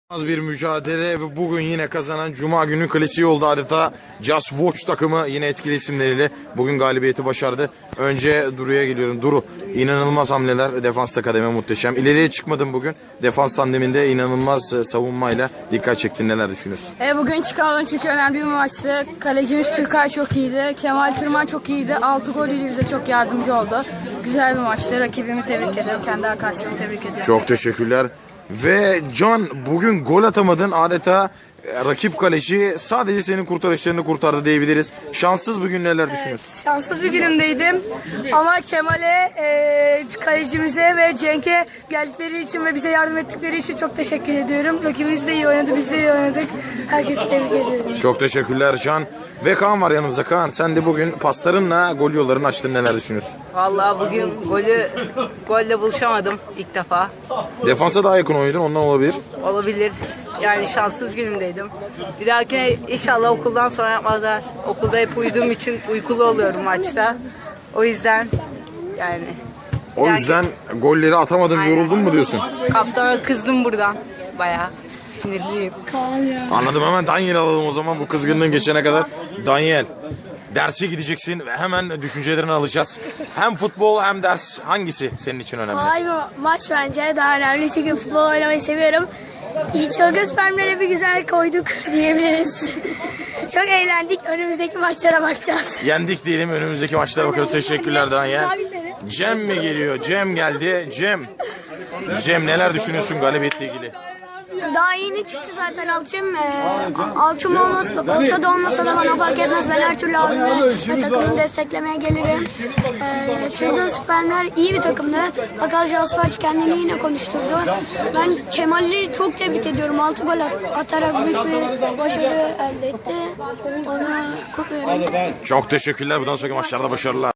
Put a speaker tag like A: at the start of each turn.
A: Az bir mücadele ve bugün yine kazanan Cuma günü klasiği oldu adeta. Just Watch takımı yine etkili isimleriyle bugün galibiyeti başardı. Önce Duru'ya geliyorum. Duru, inanılmaz hamleler, defansta kademe muhteşem. İleriye çıkmadın bugün. Defans tandeminde inanılmaz savunmayla dikkat çektin. Neler düşünüyorsun?
B: Bugün çıkardım çünkü önemli bir maçtı. Kalecimiz Türkay çok iyiydi. Kemal Tırman çok iyiydi. 6 golüyle bize çok yardımcı oldu. Güzel bir maçtı. Rakibimi tebrik ediyorum. Kendi arkadaşlarımı tebrik ediyorum.
A: Çok teşekkürler. Ve Can, bugün gol atamadın, adeta rakip kaleci sadece senin kurtarışlarını kurtardı diyebiliriz. Şanssız bugün neler düşünüyorsun?
C: Şanssız bir günümdeydim ama Kemal'e, kalecimize ve Cenk'e geldikleri için ve bize yardım ettikleri için çok teşekkür ediyorum. Rakibimiz de iyi oynadı, biz de iyi oynadık. Herkesi tebrik ediyorum.
A: Çok teşekkürler Can. Ve Kaan var yanımızda. Kaan, sen de bugün paslarınla gol yollarını açtın, neler düşünüyorsun?
D: Vallahi bugün golle buluşamadım ilk defa.
A: Defansa daha yakın oynadın, ondan olabilir.
D: Olabilir. Yani şanssız günümdeydim. Bir dahakine inşallah okuldan sonra yapmazlar. Okulda hep uyuduğum için uykulu oluyorum maçta. O yüzden yani.
A: O yüzden golleri atamadın,
D: Aynen.
A: yoruldun mu diyorsun?
D: Kaptana kızdım buradan. Bayağı sinirliyim.
A: Anladım, hemen Daniel alalım o zaman bu kızgınlığın geçene kadar. Daniel, derse gideceksin ve hemen düşüncelerini alacağız. Hem futbol hem ders, hangisi senin için önemli?
E: Kolay bir maç bence. Daha önemli çünkü futbol oynamayı seviyorum. İyi, çılgın spermlere bir güzel koyduk diyebiliriz. Çok eğlendik. Önümüzdeki maçlara bakacağız.
A: Yendik diyelim, önümüzdeki maçlara bakarız. Teşekkürler Daniel.
E: Sabitleri.
A: Cem mi geliyor? Cem geldi. Cem, neler düşünüyorsun galibiyetle ilgili?
E: Daha yeni çıktı zaten Alçım. Alçım olsa da olmasa da bana fark etmez. Ben her türlü abime ve takımını desteklemeye gelirim. Çılgın spermler iyi bir takımdı. Fakat Jasfaç kendini yine konuşturdu. Ben Kemal'i çok tebrik ediyorum. 6 gol atarak büyük bir başarı elde etti. Onu kutluyorum.
A: Çok teşekkürler. Bundan sonraki maçlarda başarılar.